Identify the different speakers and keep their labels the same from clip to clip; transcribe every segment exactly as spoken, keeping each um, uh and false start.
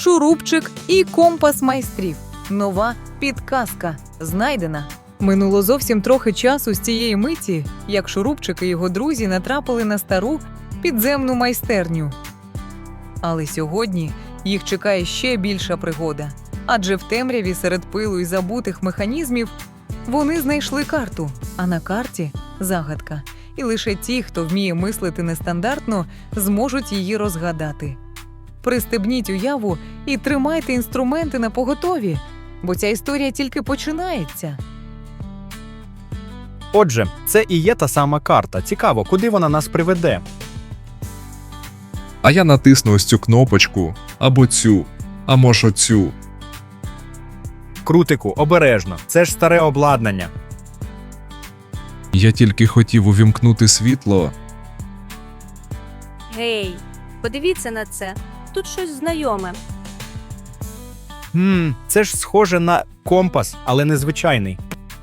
Speaker 1: шурупчик і компас майстрів. Нова підказка знайдена. Минуло зовсім трохи часу з цієї миті, як шурупчик і його друзі натрапили на стару підземну майстерню. Але сьогодні їх чекає ще більша пригода. Адже в темряві серед пилу і забутих механізмів вони знайшли карту, а на карті – загадка. І лише ті, хто вміє мислити нестандартно, зможуть її розгадати. Пристебніть уяву і тримайте інструменти на поготові, бо ця історія тільки починається.
Speaker 2: Отже, це і є та сама карта. Цікаво, куди вона нас приведе?
Speaker 3: А я натисну ось цю кнопочку, або цю, а може цю.
Speaker 2: Крутику, обережно. Це ж старе обладнання.
Speaker 3: Я тільки хотів увімкнути світло.
Speaker 4: Гей, подивіться на це. Тут щось знайоме.
Speaker 2: Хм, це ж схоже на компас, але незвичайний.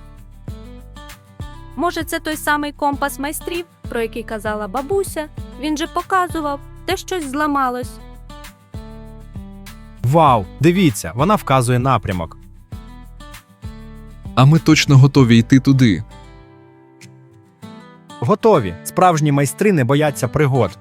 Speaker 4: Може, це той самий компас майстрів, про який казала бабуся? Він же показував, де щось зламалось.
Speaker 2: Вау, дивіться, вона вказує напрямок.
Speaker 3: А ми точно готові йти туди.
Speaker 2: Готові. Справжні майстри не бояться пригод.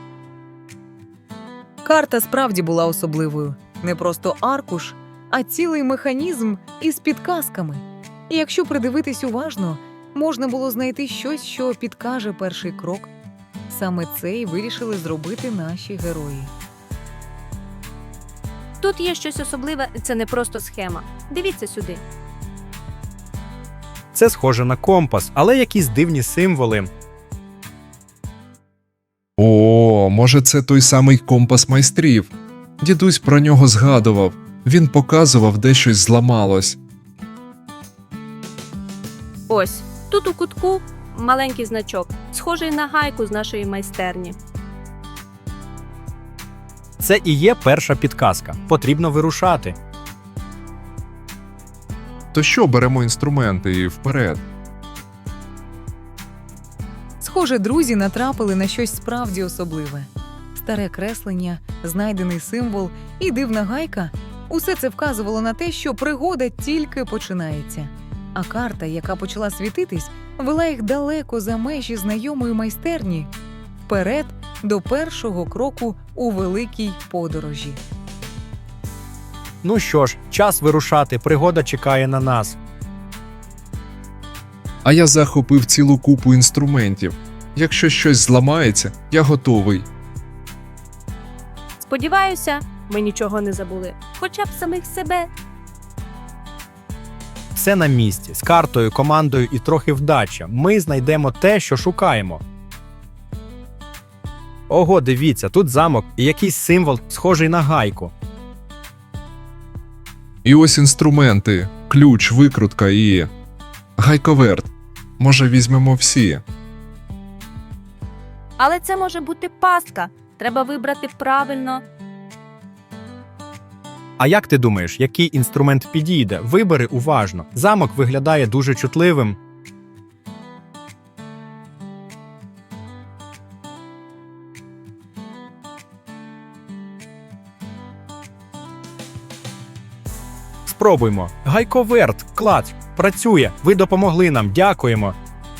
Speaker 1: Карта справді була особливою. Не просто аркуш, а цілий механізм із підказками. І якщо придивитись уважно, можна було знайти щось, що підкаже перший крок. Саме це й вирішили зробити наші герої.
Speaker 4: Тут є щось особливе, це не просто схема. Дивіться сюди.
Speaker 2: Це схоже на компас, але якісь дивні символи.
Speaker 3: О, може це той самий компас майстрів. Дідусь про нього згадував. Він показував, де щось зламалось.
Speaker 4: Ось, тут у кутку маленький значок, схожий на гайку з нашої майстерні.
Speaker 2: Це і є перша підказка. Потрібно вирушати.
Speaker 3: То що, беремо інструменти і вперед?
Speaker 1: Схоже, друзі натрапили на щось справді особливе. Старе креслення, знайдений символ і дивна гайка – усе це вказувало на те, що пригода тільки починається. А карта, яка почала світитись, вела їх далеко за межі знайомої майстерні, вперед до першого кроку у великій подорожі.
Speaker 2: Ну що ж, час вирушати, пригода чекає на нас.
Speaker 3: А я захопив цілу купу інструментів. Якщо щось зламається, я готовий.
Speaker 4: Сподіваюся, ми нічого не забули. Хоча б самих себе.
Speaker 2: Все на місці, з картою, командою і трохи вдачі. Ми знайдемо те, що шукаємо. Ого, дивіться, тут замок і якийсь символ, схожий на гайку.
Speaker 3: І ось інструменти, ключ, викрутка і... гайковерт. Може, візьмемо всі?
Speaker 4: Але це може бути пастка. Треба вибрати правильно.
Speaker 2: А як ти думаєш, який інструмент підійде? Вибери уважно. Замок виглядає дуже чутливим. Спробуймо. Гайковерт, клац, працює. Ви допомогли нам, дякуємо.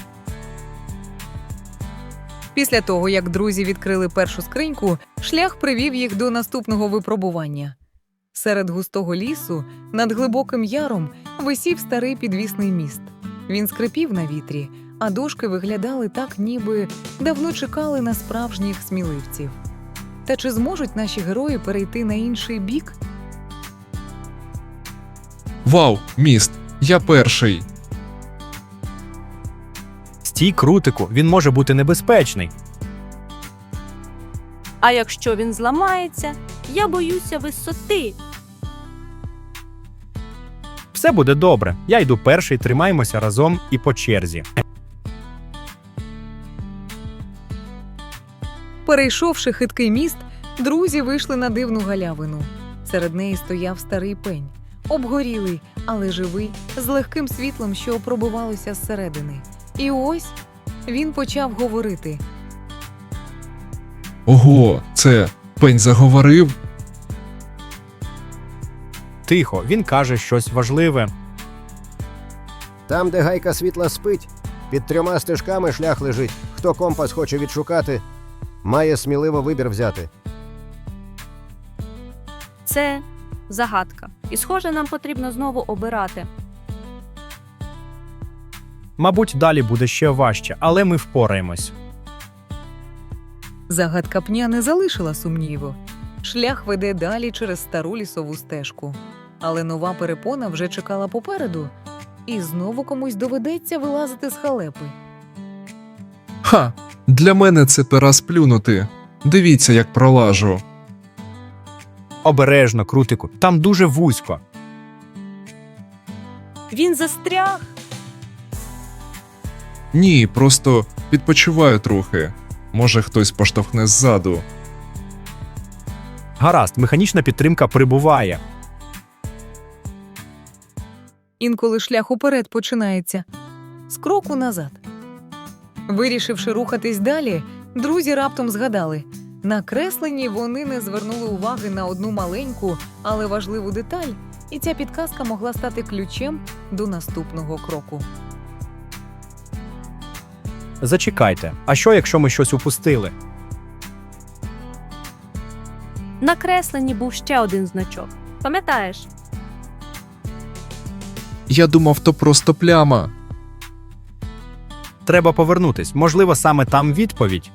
Speaker 1: Після того, як друзі відкрили першу скриньку, шлях привів їх до наступного випробування. Серед густого лісу, над глибоким яром, висів старий підвісний міст. Він скрипів на вітрі, а дошки виглядали так, ніби давно чекали на справжніх сміливців. Та чи зможуть наші герої перейти на інший бік?
Speaker 3: Вау, міст! Я перший!
Speaker 2: Стій, крутику, він може бути небезпечний.
Speaker 4: А якщо він зламається, я боюся висоти.
Speaker 2: Все буде добре. Я йду перший, тримаємося разом і по черзі.
Speaker 1: Перейшовши хиткий міст, друзі вийшли на дивну галявину. Серед неї стояв старий пень, обгорілий, але живий, з легким світлом, що пробивалося зсередини. І ось він почав говорити.
Speaker 3: Ого, це пень заговорив?
Speaker 2: Тихо, він каже щось важливе.
Speaker 5: Там, де гайка світла спить, під трьома стежками шлях лежить. Хто компас хоче відшукати, має сміливо вибір взяти.
Speaker 4: Це загадка. І, схоже, нам потрібно знову обирати.
Speaker 2: Мабуть, далі буде ще важче, але ми впораємось.
Speaker 1: Загадка пня не залишила сумніву. Шлях веде далі через стару лісову стежку. Але нова перепона вже чекала попереду. І знову комусь доведеться вилазити з халепи.
Speaker 3: Ха! Для мене це пера сплюнути. Дивіться, як пролажу.
Speaker 2: Обережно, крутику, там дуже вузько.
Speaker 4: Він застряг.
Speaker 3: Ні, просто відпочиваю трохи. Може, хтось поштовхне ззаду.
Speaker 2: Гаразд, механічна підтримка прибуває.
Speaker 1: Інколи шлях уперед починається. З кроку назад. Вирішивши рухатись далі, друзі раптом згадали. На кресленні вони не звернули уваги на одну маленьку, але важливу деталь, і ця підказка могла стати ключем до наступного кроку.
Speaker 2: Зачекайте, а що, якщо ми щось упустили?
Speaker 4: На кресленні був ще один значок. Пам'ятаєш?
Speaker 3: Я думав, то просто пляма.
Speaker 2: Треба повернутись, можливо, саме там відповідь.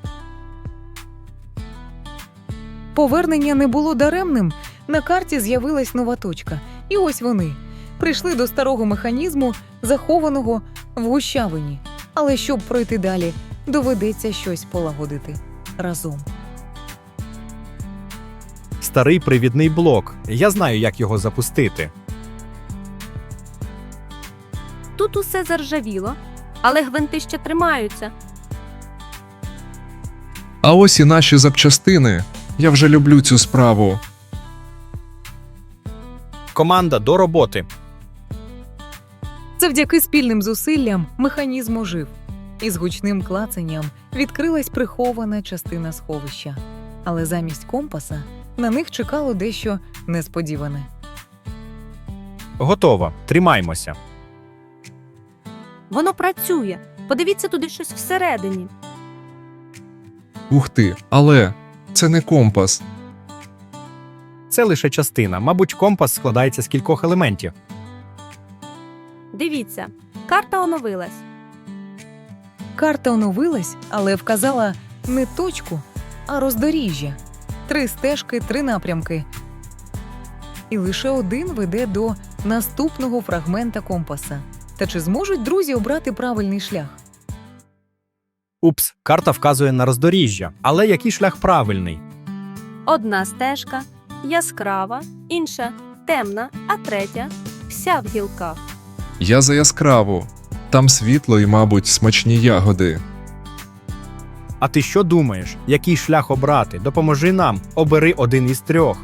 Speaker 1: Повернення не було даремним. На карті з'явилась нова точка. І ось вони. Прийшли до старого механізму, захованого в гущавині. Але щоб пройти далі, доведеться щось полагодити разом.
Speaker 2: Старий привідний блок. Я знаю, як його запустити.
Speaker 4: Тут усе заржавіло, але гвинти ще тримаються.
Speaker 3: А ось і наші запчастини. Я вже люблю цю справу.
Speaker 2: Команда, до роботи.
Speaker 1: Завдяки спільним зусиллям механізм ожив. І з гучним клацанням відкрилась прихована частина сховища. Але замість компаса на них чекало дещо несподіване.
Speaker 2: Готово, тримаймося.
Speaker 4: Воно працює. Подивіться туди щось всередині.
Speaker 3: Ух ти, але це не компас.
Speaker 2: Це лише частина. Мабуть, компас складається з кількох елементів.
Speaker 4: Дивіться, карта оновилась.
Speaker 1: Карта оновилась, але вказала не точку, а роздоріжжя. Три стежки, три напрямки. І лише один веде до наступного фрагмента компаса. Та чи зможуть друзі обрати правильний шлях?
Speaker 2: Упс, карта вказує на роздоріжжя. Але який шлях правильний?
Speaker 4: Одна стежка яскрава, інша темна, а третя вся в гілках.
Speaker 3: Я за яскраву. Там світло і, мабуть, смачні ягоди.
Speaker 2: А ти що думаєш? Який шлях обрати? Допоможи нам. Обери один із трьох.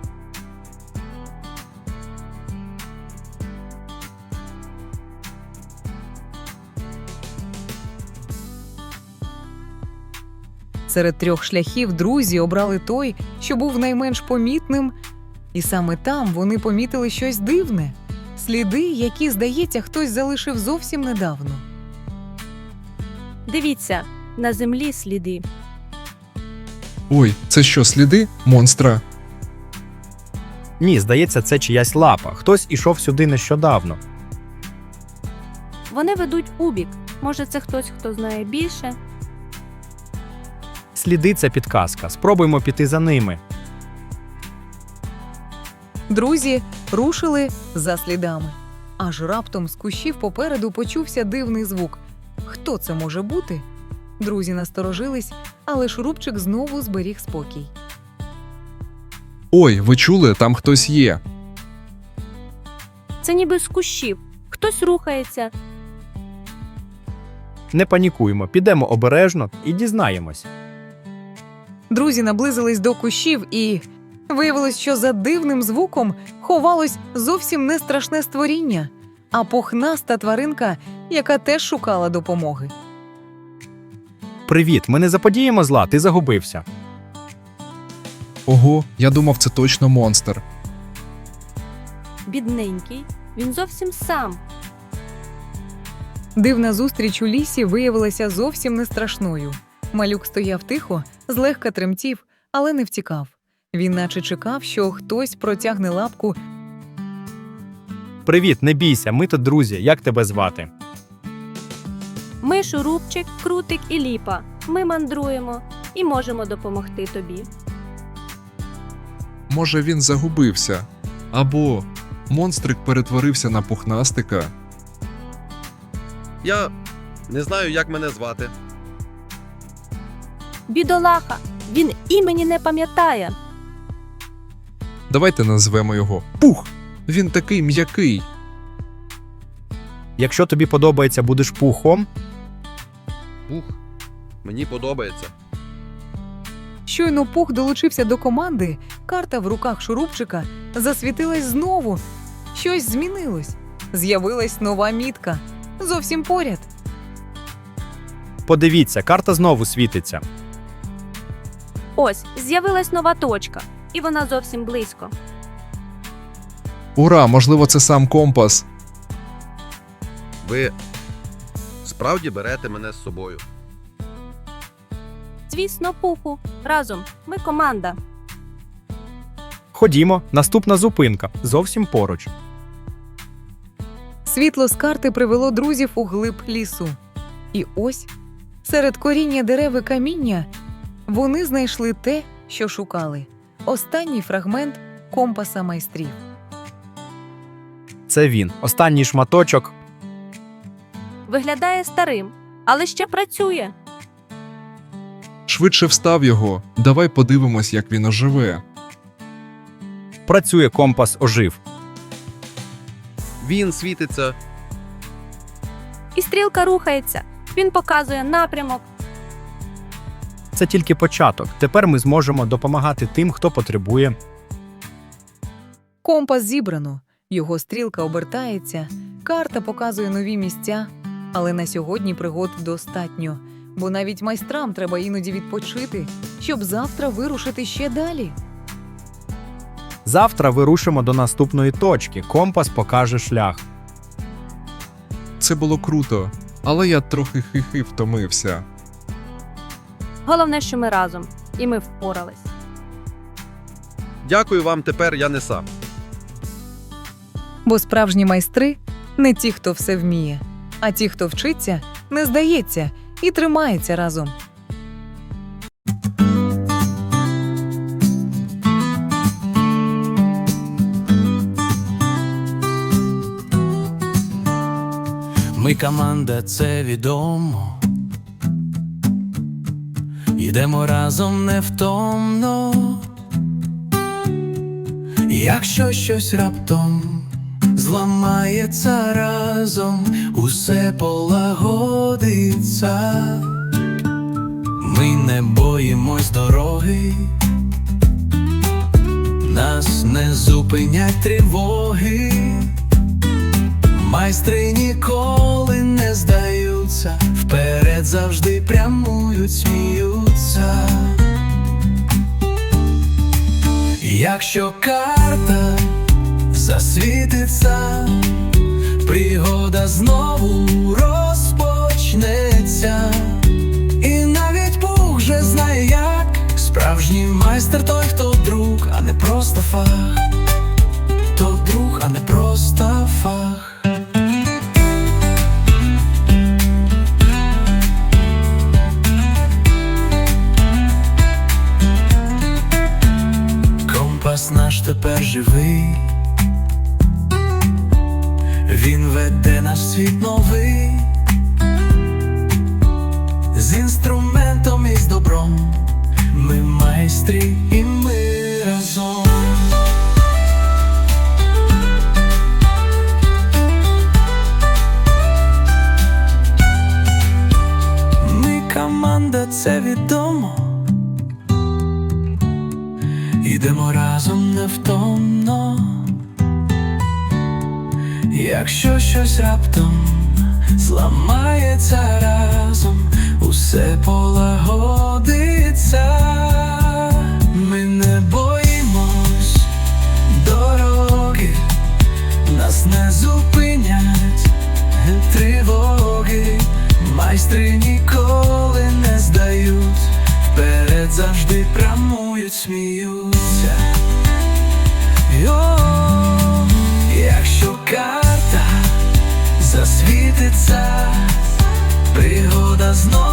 Speaker 1: Серед трьох шляхів друзі обрали той, що був найменш помітним, і саме там вони помітили щось дивне – сліди, які, здається, хтось залишив зовсім недавно.
Speaker 4: Дивіться, на землі сліди.
Speaker 3: Ой, це що, сліди монстра?
Speaker 2: Ні, здається, це чиясь лапа. Хтось ішов сюди нещодавно.
Speaker 4: Вони ведуть у бік. Може, це хтось, хто знає більше?
Speaker 2: Сліди – це підказка. Спробуймо піти за ними.
Speaker 1: Друзі рушили за слідами. Аж раптом з кущів попереду почувся дивний звук. Хто це може бути? Друзі насторожились, але Шурупчик знову зберіг спокій.
Speaker 3: Ой, ви чули, там хтось є.
Speaker 4: Це ніби з кущів. Хтось рухається.
Speaker 2: Не панікуємо, підемо обережно і дізнаємось.
Speaker 1: Друзі наблизились до кущів і виявилось, що за дивним звуком ховалось зовсім не страшне створіння, а пухнаста тваринка, яка теж шукала допомоги.
Speaker 2: Привіт, ми не заподіємо зла, ти загубився.
Speaker 3: Ого, я думав, це точно монстр.
Speaker 4: бідненький, він зовсім сам.
Speaker 1: Дивна зустріч у лісі виявилася зовсім не страшною. Малюк стояв тихо, злегка тремтів, але не втікав. Він наче чекав, що хтось протягне лапку.
Speaker 2: Привіт, не бійся, ми тут друзі. Як тебе звати?
Speaker 4: Ми Шурупчик, Крутик і Ліпа. Ми мандруємо і можемо допомогти тобі.
Speaker 3: Може, він загубився? Або монстрик перетворився на пухнастика?
Speaker 6: Я не знаю, як мене звати.
Speaker 4: Бідолаха, він імені не пам'ятає.
Speaker 3: Давайте назвемо його Пух. Він такий м'який.
Speaker 2: Якщо тобі подобається, будеш пухом.
Speaker 6: Пух. Мені подобається.
Speaker 1: Щойно Пух долучився до команди, карта в руках Шурупчика засвітилась знову. Щось змінилось. З'явилась нова мітка. Зовсім поряд.
Speaker 2: Подивіться, карта знову світиться.
Speaker 4: Ось, з'явилась нова точка, і вона зовсім близько.
Speaker 3: Ура, можливо, це сам компас.
Speaker 6: Ви справді берете мене з собою.
Speaker 4: Звісно, Пуху, разом, ми команда.
Speaker 2: Ходімо, наступна зупинка, зовсім поруч.
Speaker 1: Світло з карти привело друзів у глиб лісу. І ось, серед коріння дерев і каміння, вони знайшли те, що шукали. Останній фрагмент компаса майстрів.
Speaker 2: Це він, останній шматочок.
Speaker 4: Виглядає старим, але ще працює.
Speaker 3: Швидше встав його. Давай подивимось, як він оживе.
Speaker 2: Працює, компас ожив.
Speaker 6: Він світиться.
Speaker 4: І стрілка рухається. Він показує напрямок.
Speaker 2: Це тільки початок. Тепер ми зможемо допомагати тим, хто потребує.
Speaker 1: Компас зібрано, його стрілка обертається, карта показує нові місця. Але на сьогодні пригод достатньо, бо навіть майстрам треба іноді відпочити, щоб завтра вирушити ще далі.
Speaker 2: Завтра вирушимо до наступної точки. Компас покаже шлях.
Speaker 3: Це було круто, але я трохи хихи втомився.
Speaker 4: Головне, що ми разом, і ми впорались.
Speaker 6: Дякую вам, тепер я не сам.
Speaker 1: Бо справжні майстри – не ті, хто все вміє, а ті, хто вчиться, не здається і тримається разом.
Speaker 7: Ми команда, це відомо. Йдемо разом невтомно. Якщо щось раптом зламається разом, усе полагодиться. Ми не боїмось дороги, нас не зупинять тривоги. Майстри ніколи не здаються, вперед завжди прямують, сміються. Якщо карта засвітиться, пригода знову розпочнеться. І навіть Пух вже знає як. Справжній майстер той, хто друг, а не просто фах. То друг, а не просто фах. Компас наш тепер живий, він веде наш світ новий, з інструментом і з добром. Ми майстрі і ми разом. Ми команда, це відомо. Ідемо разом невтомно. Якщо щось раптом зламається разом, усе полагодиться. Ми не боїмось дороги, майстри ніколи не здають, вперед завжди прямують, сміються. Йо, якщо карта засвітиться, пригода знов